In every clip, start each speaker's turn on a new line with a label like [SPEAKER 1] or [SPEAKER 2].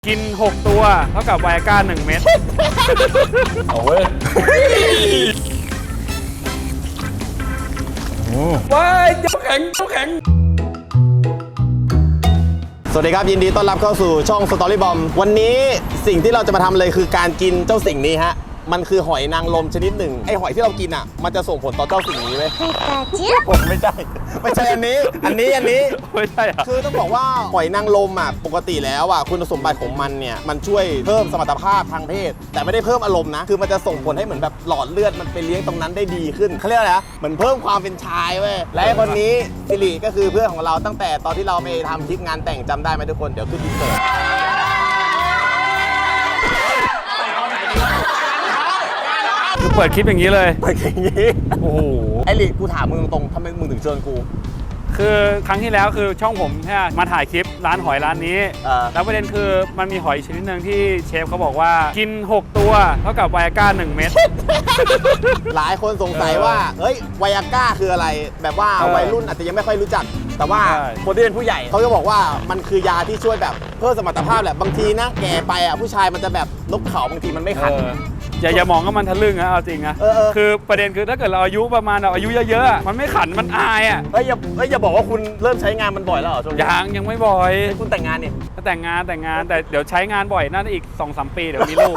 [SPEAKER 1] กิน6ตัวเท่ากับไวอาก้า1เม็ด
[SPEAKER 2] เอาเว้ยว้ายเจ้าแข็ง
[SPEAKER 3] สวัสดีครับยินดีต้อนรับเข้าสู่ช่องสตอรี่บอมวันนี้สิ่งที่เราจะมาทำเลยคือการกินเจ้าสิ่งนี้ฮะมันคือหอยนางรมชนิดหนึ่งไอหอยที่เรากินอ่ะมันจะส่งผลต่อเจ้าสิ่งนี้ไหมผมไม่ใช่อันนี้
[SPEAKER 1] ไม่ใช่อะ
[SPEAKER 3] คือต้องบอกว่าหอยนางรมอ่ะปกติแล้วอ่ะคุณสมบัติของมันเนี่ยมันช่วยเพิ่มสมรรถภาพทางเพศแต่ไม่ได้เพิ่มอารมณ์นะคือมันจะส่งผลให้เหมือนแบบหลอดเลือดมันไปเลี้ยงตรงนั้นได้ดีขึ้นเขาเรียกอะไรนะเหมือนเพิ่มความเป็นชายเว้ยและคนนี้สิริก็คือเพื่อนของเราตั้งแต่ตอนที่เราไปทำคลิปงานแต่งจำได้ไหมทุกคนเดี๋ยวขึ้นอินเสิร์ต
[SPEAKER 1] คือเปิดคลิปอย่างนี้เลย
[SPEAKER 3] เปิดอย่างนี้
[SPEAKER 1] โอ้โห
[SPEAKER 3] ไอ้ลิกูถามมึงตรงๆทำไมมึงถึงเชิญกู
[SPEAKER 1] คือครั้งที่แล้วคือช่องผมเนี่ยมาถ่ายคลิปร้านหอยร้านนี้แล้วประเด็นคือมันมีหอยชนิดหนึ่งที่เชฟเขาบอกว่ากิน6ตัวเท่ากับไวอาก้า1เม็ด
[SPEAKER 3] หลายคนสงสัยว่าเฮ้ยไวอาก้าคืออะไรแบบว่าวัยรุ่นอาจจะยังไม่ค่อยรู้จักแต่ว่าคนที่เป็นผู้ใหญ่เขาจะบอกว่ามันคือยาที่ช่วยแบบเพิ่มสมรรถภาพแหละบางทีนะแก่ไปอ่ะผู้ชายมันจะแบบนกเขาบางทีมันไม่ขัน
[SPEAKER 1] อย่ามองว่ามันทะลึ่งนะเอาจริงนะคือประเด็นคือถ้าเกิดเราอายุประมาณเราอายุเยอะๆมันไม่ขันมันอายอ่ะ
[SPEAKER 3] อย่าบอกว่าคุณเริ่มใช้งานมันบ่อยแล้วเหรอช่วงนี้
[SPEAKER 1] ยังไม่บ่อย
[SPEAKER 3] คุณแต่งงานนี่
[SPEAKER 1] แต่งงานแต่เดี๋ยวใช้งานบ่อยน่าจะอีก 2-3 ปีเดี๋ยวมีลูก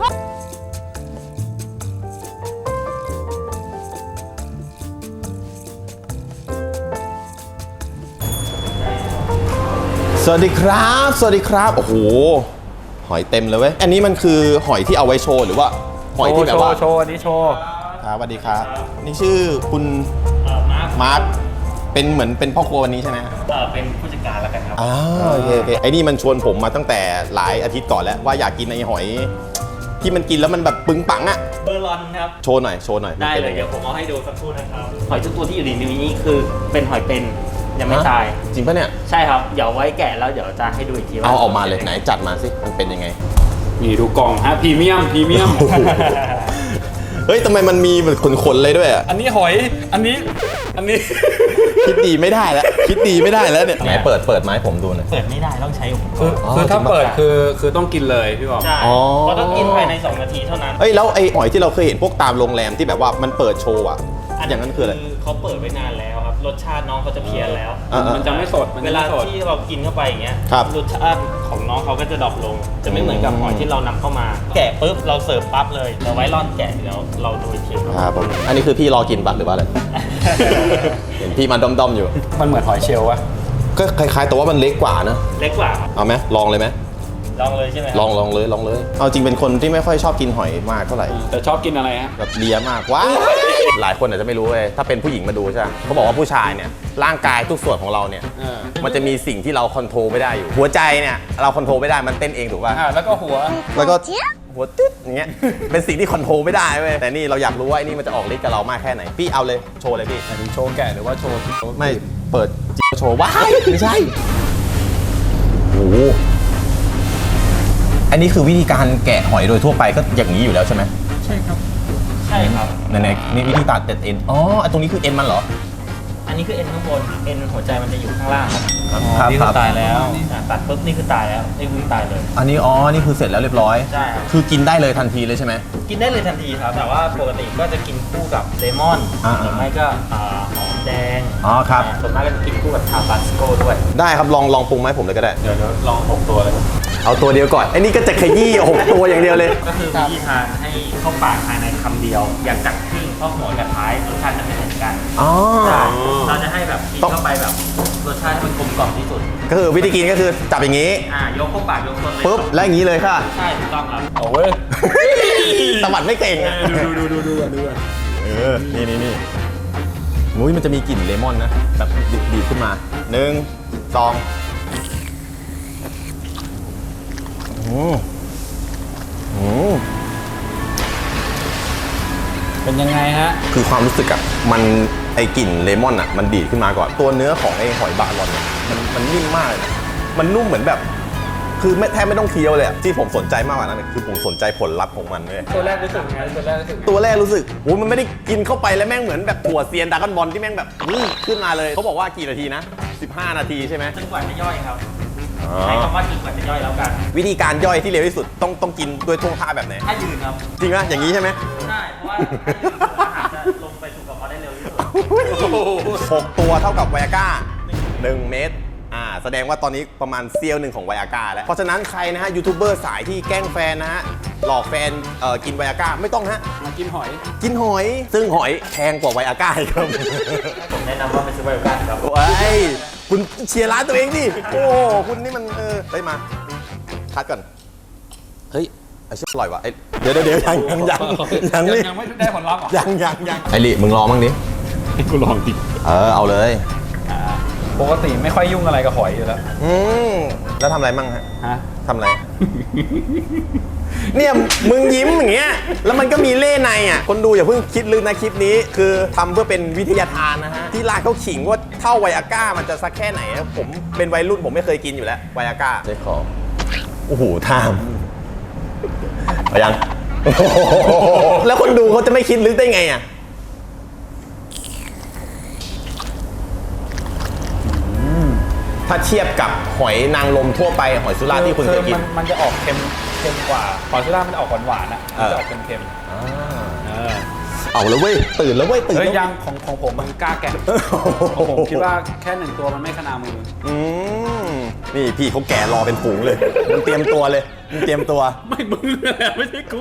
[SPEAKER 3] สวัสดีครับโอ้โหหอยเต็มเลยเว้ยอันนี้มันคือหอยที่เอาไว้โชว์หรือว่าหอยที่แบบว่า
[SPEAKER 1] โชว์อันนี้โชว์
[SPEAKER 3] ครับสวัสดีครับนี่ชื่อคุณมาร์คเป็นเหมือนเป็นพ่อครัววันนี้ใช่ไหม
[SPEAKER 2] เป็นผู้จัดการแล้วกันครับ
[SPEAKER 3] โอเคไอ้นี่มันชวนผมมาตั้งแต่หลายอาทิตย์ก่อนแล้วว่าอยากกินไอ้หอยที่มันกินแล้วมันแบบปึงปังอะ
[SPEAKER 2] เบอร์ลอนครับ
[SPEAKER 3] โชว์หน่อย
[SPEAKER 2] ได้เลยเดี๋ยวผมเอาให้ดูสักครู่นะครับหอยทุกตัวที่อยู่ในนี้คือเป็นหอยเป็นยังไม่ตาย
[SPEAKER 3] จริงปะเนี่ย
[SPEAKER 2] ใช่ครับเดี๋ยวไว้แกะแล้วเดี๋ยวจะให้ดูอีกทีว่า
[SPEAKER 3] เอาออกมาเลยไหนจัดมาสิมันเป็นยังไง
[SPEAKER 1] นี่ดูกล่องฮะพรีเมียม
[SPEAKER 3] เฮ้ยทำไมมันมีเหมือนขนๆเลยด้วยอ่ะ
[SPEAKER 1] อันนี้หอยอันนี้
[SPEAKER 3] คิดดีไม่ได้แล้วเนี่ยไหนเปิดไม้ผมดูหน่อย
[SPEAKER 2] เปิดไม่ได้ต้องใช้
[SPEAKER 1] คือถ้าเปิดคือต้องกินเลยพี่บอก
[SPEAKER 2] ใช่เพราะต้องกินภายใน2 นาทีเท่านั้น
[SPEAKER 3] เฮ้ยแล้วไอ้หอยที่เราเคยเห็นพวกตามโรงแรมที่แบบว่ามันเปิดโชว์อ่ะอย่างนั้นคืออะไร
[SPEAKER 2] เขาเปิดไว้นานแล้วครับรสชาติน้องเขาจะเพี้ยนแล้ว
[SPEAKER 1] มันจะไม่สด
[SPEAKER 2] เวลาที่เรากินเข้าไปอย่างเงี้ยรสชาติของน้องเขาก็จะดรอปลงจะไม่เหมือนกับหอยที่เรานำเข้ามาแกะปุ๊บเราเสิร์ฟปั๊บเลยเราไว้ร่อนแกะแล้วเราดูอีกที
[SPEAKER 3] ครับผมอันนี้คือพี่รอกินบัตรหรือว่าอะไรเห็นพี่มาด้อมๆอยู่
[SPEAKER 1] มันเหมือนหอยเชลล์วะ
[SPEAKER 3] ก็คล้ายๆแต่ว่ามันเล็กกว่านะ
[SPEAKER 2] เล็กกว่า
[SPEAKER 3] เอาไหมลองเลยไหม
[SPEAKER 2] ลองเลยใช่ไหม
[SPEAKER 3] ลองเลยเอาจริงเป็นคนที่ไม่ค่อยชอบกินหอยมากเท่าไหร่
[SPEAKER 1] แต่ชอบกินอะไรฮะ
[SPEAKER 3] แบบเลียมากว้าหลายคนอาจจะไม่รู้เลยถ้าเป็นผู้หญิงมาดูใช่ไหมเขาบอกว่าผู้ชายเนี่ยร่างกายทุกส่วนของเราเนี่ยมันจะมีสิ่งที่เราคอนโทรลไม่ได้อยู่หัวใจเนี่ยเราคอนโทรลไม่ได้มันเต้นเองถูกป่ะ
[SPEAKER 1] แล้วก็หั
[SPEAKER 3] วตึ๊ดอย่างเงี้ยเป็นสิ่งที่คอนโทรลไม่ได้เว้ยแต่นี่เราอยากรู้ว่าไอ้นี่มันจะออกฤทธิ์กับเรามากแค่ไหนพี่เอาเลยโชว์เลยพี่
[SPEAKER 1] โชว์แกะหรือว่าโชว์
[SPEAKER 3] ไม่เปิดโชว์ว้ายไม่ใช่โอ้อันนี้คือวิธีการแกะหอยโดยทั่วไปก็อย่างนี้อยู่แล้วใช่ไหม
[SPEAKER 2] ใช่ครับ
[SPEAKER 3] นี่วิธีตัดเอ็นตรงนี้คือเอ็นมันเหรอ
[SPEAKER 2] อันนี้คือเอ็นข้างบนเอ็นหัวใจมันจะอยู่ข้างล่าง
[SPEAKER 3] ครับ
[SPEAKER 2] นี่คือตายแล้วตัดปุ๊บนี่คือตายแล้วนี่คือตายเลย
[SPEAKER 3] อันนี้นี่คือเสร็จแล้วเรียบร้อย
[SPEAKER 2] ใช่ครับ
[SPEAKER 3] คือกินได้เลยทันทีเลยใช่ไหม
[SPEAKER 2] กินได้เลยทันทีครับแต่ว่าปกติก็จะกินคู่กับเลมอนหรือไม่ก็หอมแดง
[SPEAKER 3] ครับ
[SPEAKER 2] ส่วนมากก็จะกินคู่กับทาบาสโกด้วย
[SPEAKER 3] ได้ครับลองปรุงไหมผมเลยก็ได้
[SPEAKER 2] เดี๋ยวลอง6ตัวเลย
[SPEAKER 3] เอาตัวเดียวก่อนไอ้นี่ก็จะขยี้6ตัวอย่างเดียวเลย
[SPEAKER 2] ก็คือวิธีทานให้เข้าปากภายในคำเดียวอย่างกัดครึ่งเพราะหัวกับท้ายรสชาติจะไม่เหมือนกันเราจะให้แบบกินเข้าไปแบบรสชาติมันกลมกล่อมที่สุด
[SPEAKER 3] ก็คือวิธีกินก็คือจับอย่างนี้
[SPEAKER 2] ยกเข้าปากยกต้นเลย
[SPEAKER 3] ปุ๊บแล้วอย่างนี้เลยค่ะ
[SPEAKER 2] ใช่ถูกต้องครับ
[SPEAKER 1] เอาเว้ย
[SPEAKER 3] ตะวัดไม่เก่ง
[SPEAKER 1] ดู
[SPEAKER 3] นี่มุ้ยมันจะมีกลิ่นเลมอนนะแบบดีขึ้นมา1 2
[SPEAKER 1] เป็นยังไงฮะ
[SPEAKER 3] คือความรู้สึกอะมันไอกลิ่นเลมอนอะมันดีดขึ้นมาก่อนตัวเนื้อของไอหอยบาลอนมันนิ่มมากเลยนะมันนุ่มเหมือนแบบคือแทบไม่ต้องเคี้ยวเลยที่ผมสนใจมากกว่านั้นคือผมสนใจผลลัพธ์ของมันเลย
[SPEAKER 1] ตัวแรกรู้สึกไง
[SPEAKER 3] ตัวแรกรู้สึกโอ้มันไม่ได้กินเข้าไปแล้วแม่งเหมือนแบบหัวเซียนดราก้อนบอลที่แม่งแบบขึ้นมาเลยเขาบอกว่ากี่นาทีนะ15 นาทีใช่ไหม
[SPEAKER 2] จนกว่าจะย่อยครับใช้คำว่าจนกว่าจะย่อยแล้วกัน
[SPEAKER 3] วิธีการย่อยที่เร็วที่สุดต้องกินด้วยท่วงท่าแบบไหน
[SPEAKER 2] ถ้ายืนครับ
[SPEAKER 3] จริงป่ะอย่างนี้ใช่ไหม
[SPEAKER 2] ใช่เพราะว่าอาหารจะลงไปสู่กระเพาะได้เร็วที่สุด
[SPEAKER 3] 6 ตัวเท่ากับไวอาก้า1 เม็ดแสดงว่าตอนนี้ประมาณเซียวหนึ่งของไวอาก้าแล้วเพราะฉะนั้นใครนะฮะยูทูบเบอร์สายที่แกล้งแฟนนะฮะหลอกแฟนกินไวอาก้าไม่ต้องฮะ
[SPEAKER 1] มากินหอย
[SPEAKER 3] กินหอยซึ่งหอยแพงกว่าไวอาก้าครับ
[SPEAKER 2] ผมแนะนำว่าไปซื้อไวโอกันครับ
[SPEAKER 3] โอ้ยคุณเชียร์ร้านตัวเองดิโอ้คุณนี่มันเฮ้ยมาคัดก่อนเฮ้ยไอ้ชิบอร่อยวะเดี๋ยวยังนี่
[SPEAKER 1] ยังไม่ได้ผลลัพธ์อ่ะ
[SPEAKER 3] ยังไอ้ลิมึงรอมั่งดิ
[SPEAKER 1] ให้กูลองดิ
[SPEAKER 3] เอาเลย
[SPEAKER 1] ปกติไม่ค่อยยุ่งอะไรกับหอยอยู่แล้ว
[SPEAKER 3] แล้วทำอะไรมั่งฮะ
[SPEAKER 1] ฮะ
[SPEAKER 3] ทำอะไร เนี่ยมึงยิ้มอย่างเงี้ยแล้วมันก็มีเล่ในอ่ะคนดูอย่าเพิ่งคิดลึกนะคลิปนี้คือทำเพื่อเป็นวิทยาทานนะฮะที่ร้านเขาขิงว่าเท่าไวอาก้ามันจะสักแค่ไหนผมเป็นวัยรุ่นผมไม่เคยกินอยู่แล้วไวอาก้าใช่ขอโอ้โหทามเอายัง แล้วคนดูเขาจะไม่คิดลึกได้ไงอ่ะถ้าเทียบกับหอยนางรมทั่วไปหอยสุราษฎร์ที่คุณเคยกิน
[SPEAKER 1] มันจะออกเค็มกว่าหอยสุราษฎร์มันจะออกหวานๆอ่ะมันจะออกเค็ม
[SPEAKER 3] เอาแล้วเว้ยตื่นแล้วเว้ยตื่น
[SPEAKER 1] เฮ้ย
[SPEAKER 3] แล้ว
[SPEAKER 1] ยังของผมมันกล้าแกะของผมคิดว่าแค่1 ตัวมันไม่ขนามือ
[SPEAKER 3] นี่พี่เขาแก่รอเป็นฝูงเลยมึงเตรียมตัวเลยมึงเตรียมตัว
[SPEAKER 1] ไม่มึงแหละไม่ใช่กู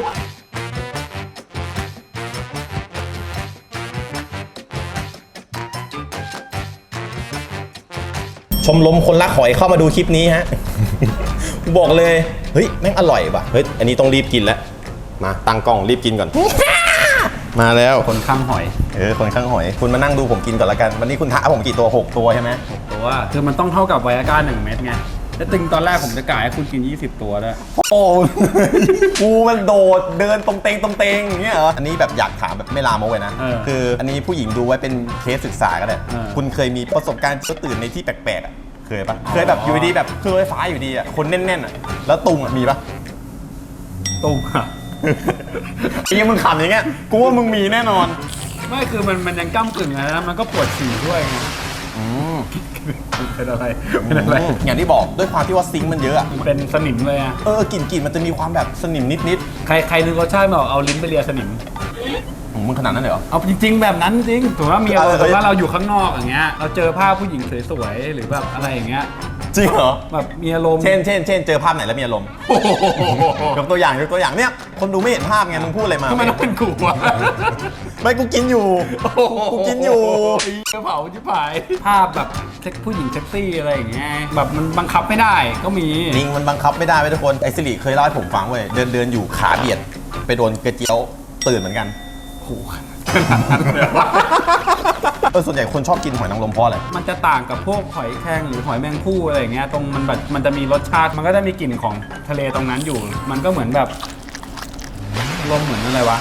[SPEAKER 3] ชมรมคนรักหอยเข้ามาดูคลิปนี้ฮะ บอกเลยเฮ้ยแม่งอร่อยว่ะเฮ้ยอันนี้ต้องรีบกินแล้วมาตั้งกล้องรีบกินก่อน มาแล้ว
[SPEAKER 1] คนข้างหอย
[SPEAKER 3] คนข้างหอยคุณมานั่งดูผมกินก่อนละกันวันนี้คุณท้าผมกี่ตัว6 ตัวใช่ไหม
[SPEAKER 1] ตัวคือมันต้องเท่ากับไวอาก้า1 เม็ดไงแล้วตึงตอนแรกผมจะกะให้คุณกิน20 ตัวด้วย
[SPEAKER 3] โอ้ กูมันโดดเดินตรงเตงอย่างเงี้ยเหรออันนี้แบบอยากถามแบบไม่ลามกเลยนะคืออันนี้ผู้หญิงดูไว้เป็นเคสศึกษาก็ได้คุณเคยมีประสบการณ์ตื่นในที่แปลกๆอ่ะเคยปะเคยแบบอยู่ดีแบบเครื่องไฟฟ้าอยู่ดีอ่ะคนแน่นๆอ่ะแล้วตุงอ่ะมีปะ
[SPEAKER 1] ตุ้งอะ
[SPEAKER 3] ไอ้ยังมึงขำอย่างเงี้ยกูว่ามึงมีแน่นอน
[SPEAKER 1] ไม่คือมันยังก้ำกึ่งนะมันก็ปวดฉี่ด้วยไงเป็นอะไร
[SPEAKER 3] อย่างที่บอกด้วยความที่ว่าซิงค์มันเยอะอะ
[SPEAKER 1] มันเป็นสนิมเลยอ่ะ
[SPEAKER 3] กลิ่นมันจะมีความแบบสนิมนิด
[SPEAKER 1] ใครนึกรสชาติไม่ออกเอาลิ้นไปเลียสนิม
[SPEAKER 3] มึงขนาดนั้นเลยเหรอ
[SPEAKER 1] เอาจริงๆแบบนั้นจริงถือว่ามีอารมณ์ว่าเราอยู่ข้างนอกอย่างเงี้ยเราเจอภาพผู้หญิงสวยๆหรือแบบอะไรอย่างเงี้ย
[SPEAKER 3] จริงเหรอ
[SPEAKER 1] แบบมีอารมณ์
[SPEAKER 3] เช่นเจอภาพไหนแล้วมีอารมณ์ยกตัวอย่างเนี่ยคนดูไม่เห็นภาพไงมึงพูดอะไรมา
[SPEAKER 1] ทำไมต้องเป็นกูวะ
[SPEAKER 3] ไม่กูกินอยู่กูกินอยู่
[SPEAKER 1] กระเป๋าชิบหายภาพแบบผู้หญิงเซ็กซี่อะไรอย่างเงี้ยแบบมันบังคับไม่ได้ก็มี
[SPEAKER 3] จริงมันบังคับไม่ได้เว้ยทุกคนไอซิริเคยเล่าให้ผมฟังเว้ยเดินอยู่ขาเบียดไปโดนกระเจียวตื่นเหมือนกันส่วนใหญ่คนชอบกินหอยนางรมเพราะอะไร
[SPEAKER 1] มันจะต่างกับพวกหอยแครงหรือหอยแมงภู่อะไรอย่างเงี้ยตรงมันแบบมันจะมีรสชาติมันก็จะมีกลิ่นของทะเลตรงนั้นอยู่มันก็เหมือนแบบลมเหมือนอะไรวะ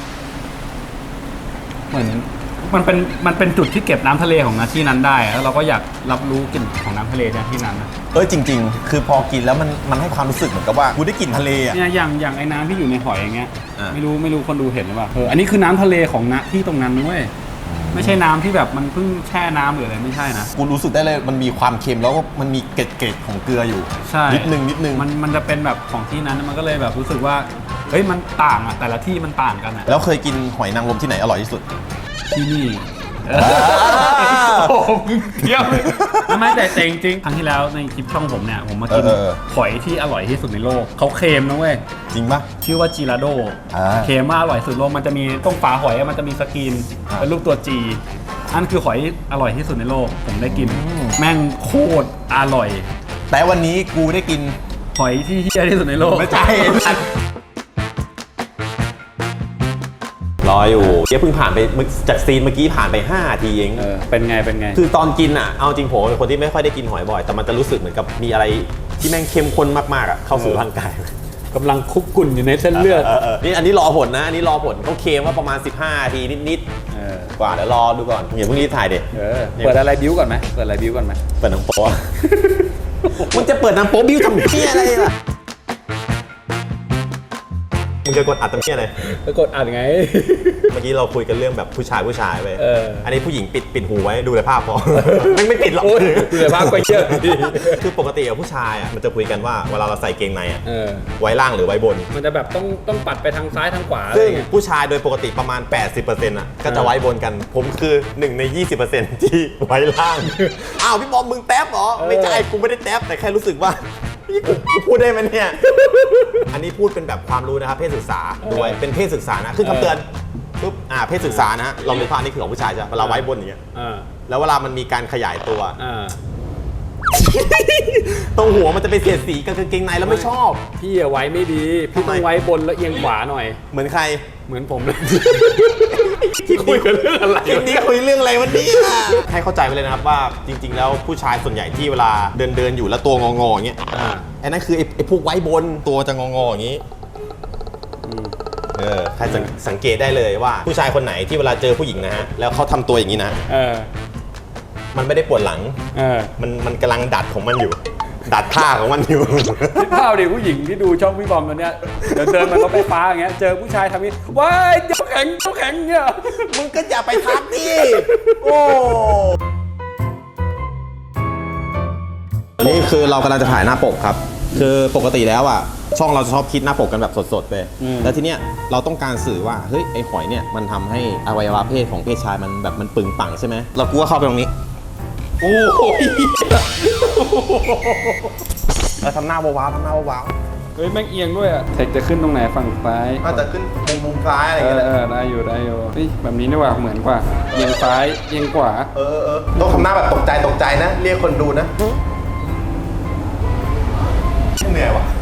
[SPEAKER 1] เหมือนมันเป็นจุดที่เก็บน้ำทะเลของที่นั้นได้แล้วเราก็อยากรับรู้กลิ่นของน้ำทะเลที่นั้นนะ
[SPEAKER 3] จริงๆคือพอกินแล้วมันให้ความรู้สึกเหมือนกับว่ากูได้กลิ่นทะเลอ่ะ
[SPEAKER 1] เนี่ยอย่างไอ้น้ำที่อยู่ในหอยอย่างเงี้ยไม่รู้คนดูเห็นหรือเปล่าอันนี้คือน้ำทะเลของณที่ตรงนั้นด้วยไม่ใช่น้ำที่แบบมันเพิ่งแช่น้ำหรืออะไรไม่ใช่นะ
[SPEAKER 3] กูรู้สึกได้เลยมันมีความเค็มแล้วก็มันมีเกล็ดของเกลืออยู่
[SPEAKER 1] ใช่
[SPEAKER 3] นิดนึง
[SPEAKER 1] มันจะเป็นแบบของที่นั้นมันก็เลยแบบรู้สึกว่าเฮ้ยมันต่างอ่ะแต่ละที่มันต่างกันอ่ะ
[SPEAKER 3] แล้วเคยกินหอยนางรมที่ไหนอร่อยที่สุด
[SPEAKER 1] ที่นี่โอ้โหเยี่ยมไม่แต่จริงครั้งที่แล้วในคลิปช่องผมเนี่ยผมมากินหอยที่อร่อยที่สุดในโลกเขาเค็มนะเว้ย
[SPEAKER 3] จริงปะ
[SPEAKER 1] ชื่อว่าจิราโดเค็มมากอร่อยสุดโลกมันจะมีตรงฝาหอยมันจะมีสกรีนเป็นรูปตัวจีอันคือหอยอร่อยที่สุดในโลกผมได้กินแม่งโคตรอร่อย
[SPEAKER 3] แต่วันนี้กูได้กิน
[SPEAKER 1] หอยที่เหี้ยที่สุดในโลก
[SPEAKER 3] ไม่ใช่รออยู่เพิ่งผ่านไปจากซีนเมื่อกี้ผ่านไป5 นาทีเอง
[SPEAKER 1] เป็นไง
[SPEAKER 3] คือตอนกินอ่ะเอาจริงผมเป็นคนที่ไม่ค่อยได้กินหอยบ่อยแต่มันจะรู้สึกเหมือนกับมีอะไรที่แม่งเข้มข้นมากๆอ่ะเข้าสู่ร่างกาย
[SPEAKER 1] กำลังคุกกุ่นอยู่ในเส้นเลือด
[SPEAKER 3] นี่อันนี้รอผลนะอันนี้รอผลเขาเคลมว่าประมาณ15 นาทีนิดๆกว่าเดี๋ยวรอดูก่อนอย่าเพิ่งรีบถ่ายเด็ด
[SPEAKER 1] เปิดอะไรบิ้วก่อนไหมเปิดห
[SPEAKER 3] นังโป๊มันจะเปิดหนังโป๊บิ้วทำเพี้ยอะไรล่ะมึงจะกดอัดตรงนี้อะไร
[SPEAKER 1] ไปกดอ่านไง
[SPEAKER 3] เมื่อกี้เราคุยกันเรื่องแบบผู้ชายไป อันนี้ผู้หญิงปิดหูไว้ดูแต่ภาพพอ ไม่ปิดหรอก
[SPEAKER 1] ดูแต่ภาพก็เยอะ
[SPEAKER 3] คือปกติผู้ชายอ่ะมันจะคุยกันว่าเวลาเราใส่เกงในอ่ะ
[SPEAKER 1] เออ
[SPEAKER 3] ไว้ล่างหรือไว้บน
[SPEAKER 1] มันจะแบบต้องปัดไปทางซ้ายทางขวาอะไร
[SPEAKER 3] ซึ่ง
[SPEAKER 1] เงี้ย
[SPEAKER 3] ผู้ชายโดยปกติประมาณ 80%อ่ะก็จะไว้บนกัน ผมคือ1 ใน 20% ที่ไว้ล่าง อ้าวพี่บอมมึงแท็บเหรอ ไม่ใช่กูไม่ได้แท็บแต่แค่รู้สึกว่าพี่กูพูดได้ไหมเนี่ย อันนี้พูดเป็นแบบความรู้นะครับเพศศึกษาด้วยเป็นเพศศึกษานะขึ้นคำเตือนปุ๊บเพศศึกษานะเราในภาพนี้คือของผู้ชายใช่ไหมเวลาไว้บนอย่างเงี้ยแล้วเวลามันมีการขยายตัว ตรงหัวมันจะไปเสียดสีกับกางเกงในแล้วไม่ชอบ
[SPEAKER 1] พี่อะไว้ไม่ดีพี่ต้องไว้บนแล้วเอียงขวาหน่อย
[SPEAKER 3] เหมือนใคร
[SPEAKER 1] เหมือนผมเลยที่คุยกันเรื่องอะไร
[SPEAKER 3] คลิปนี้คุยเรื่องอะไรวันนี้ให้เข้าใจไปเลยนะครับว่าจริงๆแล้วผู้ชายส่วนใหญ่ที่เวลาเดินอยู่แล้วตัวงอๆอย่างเงี้ยไอ้นั่นคือไอ้พวกไว้บนตัวจะงอๆอย่างงี้ใครสังเกตได้เลยว่าผู้ชายคนไหนที่เวลาเจอผู้หญิงนะฮะแล้วเขาทำตัวอย่างนี้นะมันไม่ได้ปวดหลังมันกำลังดัดของมันอยู่ ดัดท่าของมันอยู่
[SPEAKER 1] คิดภาพดิผู้หญิงที่ดูช่องพี่บอมตัวเนี้ยเดินมันรถไฟฟ้าอย่างเงี้ยเจอผู้ชายทำนี้ว้ายเจ้าแข็งเงี้ย
[SPEAKER 3] มึงก็อย่าไปทักดิโอ้นี่คือเรากำลังจะถ่ายหน้าปกครับคือปกติแล้วอ่ะช่องเราจะชอบคิดหน้าปกกันแบบสดๆไปแล้วทีเนี้ยเราต้องการสื่อว่าเฮ้ยไอ้หอยเนี่ยมันทำให้อวัยวะเพศของเพศชายมันแบบมันปึงปังใช่ไหมเรากลัวเข้าไปตรงนี้โอ้ยทำหน้าว้าวทำหน้าว้าว
[SPEAKER 1] เฮ้ยแม่งเอียงด้วยอะเทคจะขึ้นตรงไหนฝั่งซ้าย
[SPEAKER 3] อาจจะขึ้นมุมซ้ายอะไรอย่างเงี้ย
[SPEAKER 1] ได้อยู่นี่แบบนี้ดีกว่าเหมือนกว่าเอียงซ้ายเอียงขวา
[SPEAKER 3] ต้องทำหน้าแบบตกใจนะเรียกคนดูนะเหนื่อยวะ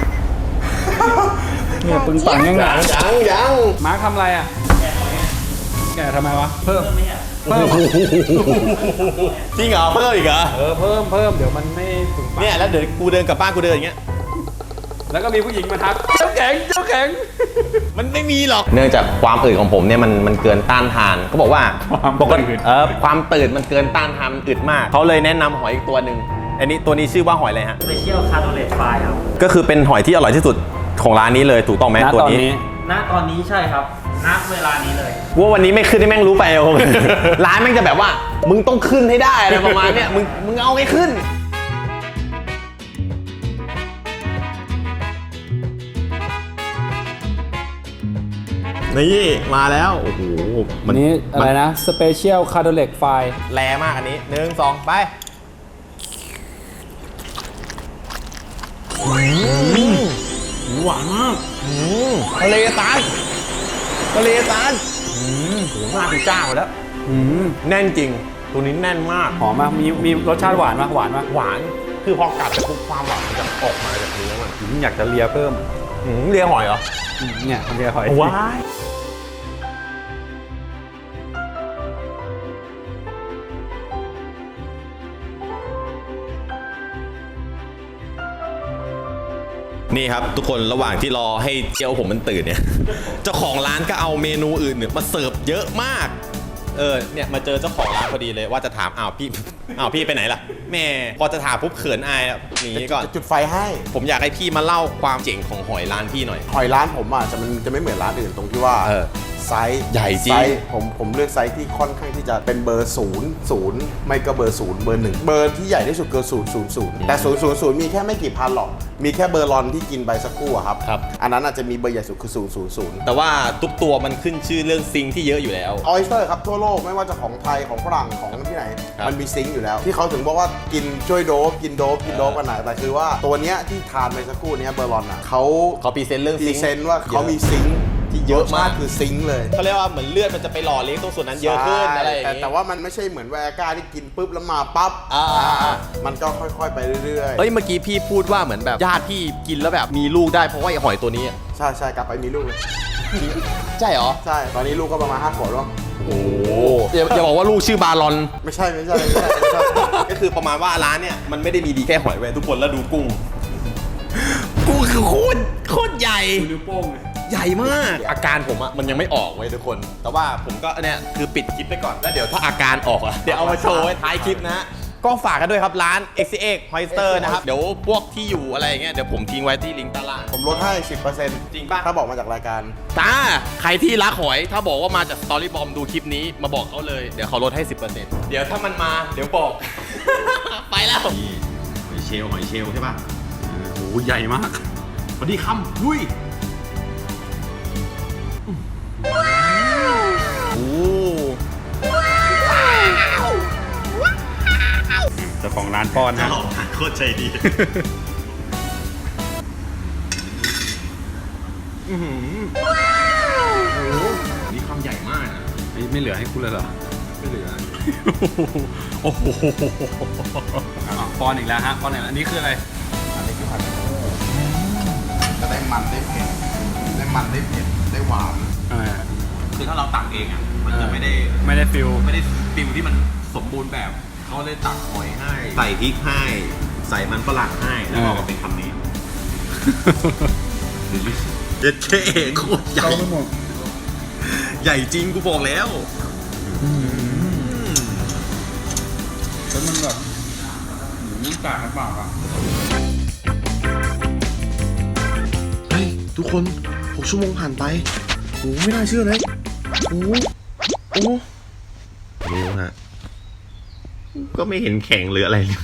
[SPEAKER 1] เนี่ยปึงปังยังไง
[SPEAKER 3] ยัง
[SPEAKER 1] มาร์คทำอะไรอ่ะแกทำไมวะเพิ่ม
[SPEAKER 3] จริงเหรอเพิ่มอีกเหรอ
[SPEAKER 1] เพิ่มเดี๋ยวมันไม่ปึงปัง
[SPEAKER 3] เนี่ยแล้วเดี๋ยวกูเดินกลับบ้านกูเดินอย่างเงี้ย
[SPEAKER 1] แล้วก็มีผู้หญิงมาทักเจ้าแข็ง
[SPEAKER 3] มันไม่มีหรอกเนื่องจากความอืดของผมเนี่ยมันเกินต้านทานเขาบอกว่าความตื่นมันเกินต้านทานมันอึดมากเขาเลยแนะนำหอยอีกตัวหนึ่งอันนี้ตัวนี้ชื่อว่าหอยอะไรฮะ
[SPEAKER 2] Special Cardolate Fry ครับ
[SPEAKER 3] ก็คือเป็นหอยที่อร่อยที่สุดของร้านนี้เลยถูกต้องไหมตัวนี้
[SPEAKER 2] ณตอนนี้ใช่ครับณเวลานี้เลย
[SPEAKER 3] ว่าวันนี้ไม่ขึ้นให้แม่งรู้ไปเอา ร้านแม่งจะแบบว่ามึงต้องขึ้นให้ได้อะไรประมาณเนี้ยมึงเอาให้ขึ้นนี่มาแล้วโอ้โห
[SPEAKER 1] วันนี้อะไรนะ Special Cardolate Fry
[SPEAKER 3] แรงมากอันนี้1 2ไปหวานมากทะเลตาลโหมากเป็นเจ้าแล้วแน่นจริงตัวนี้แน่นมาก
[SPEAKER 1] หอมมากมีรสชาติหวานมากหวาน
[SPEAKER 3] คือพอกัดไปปุ๊บความหวานมันจะออกมาจากเนื้อมัน
[SPEAKER 1] อยากจะเลียเพิ่ม
[SPEAKER 3] เลียหอยเหรอ
[SPEAKER 1] เนี่ยเลียหอย
[SPEAKER 3] ว้ายนี่ครับทุกคนระหว่างที่รอให้เจียวผมมันตื่นเนี่ย เจ้าของร้านก็เอาเมนูอื่นเนี่ยมาเสิร์ฟเยอะมากเนี่ยมาเจอเจ้าของร้านพอดีเลยว่าจะถามพี่ไปไหนล่ะแม่พอจะถามปุ๊บเขินอายหนีก่อน
[SPEAKER 4] จุดไฟให้
[SPEAKER 3] ผมอยากให้พี่มาเล่าความเจ๋งของหอยร้านพี่หน่อย
[SPEAKER 4] หอยร้านผมมันจะไม่เหมือนร้านอื่นตรงที่ว่าไซส์
[SPEAKER 3] ใหญ่จริง
[SPEAKER 4] ไซส์ผมเลือกไซส์ที่ค่อนข้างที่จะเป็นเบอร์0ไม่ก็เบอร์0เบอร์1เบอร์ที่ใหญ่ที่สุดคือ000แต่000มีแค่ไม่กี่พันหรอกมีแค่เบอร์ลอนที่กินไปสักครู่ครับอันนั้นอาจจะมีเบอร์ใหญ่สุดคือ000
[SPEAKER 3] แต่ว่าทุกตัวมันขึ้นชื่อเรื่องซิงที่เยอะอยู่แล้ว
[SPEAKER 4] ออยสเตอร์ครับทั่วโลกไม่ว่าจะของไทยของฝรั่งของที่ไหนมันมีซิงอยู่แล้วที่เขาถึงบอกว่ากินช่วยโดบกินโดบกันไหนแต่คือว่าตัวเนี้ยที่ทานไปสักครู่เนี้ยเบอร์ลอนเขา
[SPEAKER 3] พรีเซนต์เรื่องซิง
[SPEAKER 4] ว่าเขามีซิงที่เยอะมากคือซิงเลย
[SPEAKER 3] เขาเรียกว่าเหมือนเลือดมันจะไปหล่อเลี้ยงตรงส่วนนั้นเยอะขึ้นอะไรอย่างงี้
[SPEAKER 4] แต่ว่ามันไม่ใช่เหมือนแวร์ก้าที่กินปุ๊บแล้วมาปั๊บมันก็ค่อยๆไปเรื่อย
[SPEAKER 3] ๆเมื่อกี้พี่พูดว่าเหมือนแบบญาติพี่กินแล้วแบบมีลูกได้เพราะว่าไอ้หอยตัวนี้
[SPEAKER 4] ใช่กลับไปมีลูกเลย
[SPEAKER 3] ใช่เหรอ
[SPEAKER 4] ใช่ตอนนี้ลูกก็ประมาณ5 ขวบแล้ว
[SPEAKER 3] โอ้อย่าบอกว่าลูกชื่อบารอน
[SPEAKER 4] ไม่ใช่
[SPEAKER 3] ก็คือประมาณว่าร้านเนี่ยมันไม่ได้มีดีแค่หอยเว้ยทุกคนแล้วดูกุ้งคือโคตรใหญ่
[SPEAKER 1] นิ้วโป้ง
[SPEAKER 3] ใหญ่มากอาการผมมันยังไม่ออกเว้ยทุกคนแต่ว่าผมก็เนี่ยคือปิดคลิปไปก่อนแล้วเดี๋ยวถ้าอาการออกเดี๋ยวเอามาโชว์ไว้ท้ายคลิปนะก็ฝากกันด้วยครับร้าน XCX Oyster นะครับ เดี๋ยวพวกที่อยู่อะไรอย่างเงี้ยเดี๋ยวผมทิ้งไว้ที่ลิงก์ใต้ล่าง
[SPEAKER 4] ผมลดให้ 10%
[SPEAKER 3] จริงป่ะ
[SPEAKER 4] ถ้าบอกมาจากรายการ
[SPEAKER 3] จ้าใครที่รักหอยถ้าบอกว่ามาจาก Story Bomb ดูคลิปนี้มาบอกเขาเลยเดี๋ยวเขาลดให้ 10%เดี๋ยวถ้ามันมาเดี๋ยวบอก ไปแล้ว
[SPEAKER 1] หอยเชลล์ใช่ป่ะโอ้โหใหญ่มากพอดีคำลุย
[SPEAKER 3] โอ้
[SPEAKER 1] เจ้าของร้านป้อนฮะ
[SPEAKER 4] โคตรใจดี
[SPEAKER 3] นี่คำใหญ่มากนะ
[SPEAKER 1] ไม่เหลือให้คุณเลยเหรอ
[SPEAKER 3] ไม่เหลือ
[SPEAKER 1] โอ้โหป้อนอีกแล้วฮะป้อนอีกแล้วอันนี้คืออะไร
[SPEAKER 4] อันนี้คือผัดกะเพราจะได้มันได้เผ็ดได้มันได้เผ็ดได้หวาน
[SPEAKER 3] คือถ้าเราตักเองอ่ะมันจะไม่ได้
[SPEAKER 1] ฟิล
[SPEAKER 3] ฟิลที่มันสมบูรณ์แบบเขาเลยตักหอยให้ใส่พริกให้ใส่มันฝรั่งให้แล้วก็ออกมาเป็นคำนี้เด็ดเท่โคตรใหญ่ใหญ่จริงกูบอกแล้ว
[SPEAKER 1] แล้วมันแบบหมูกากในปากอ่ะ
[SPEAKER 3] เฮ้ยทุกคน6 ชั่วโมงผ่านไปโอ้ไม่น่าเชื่อเลยโอ้ไม่รู้ฮะก็ไม่เห็นแข็งหรืออะไรเลย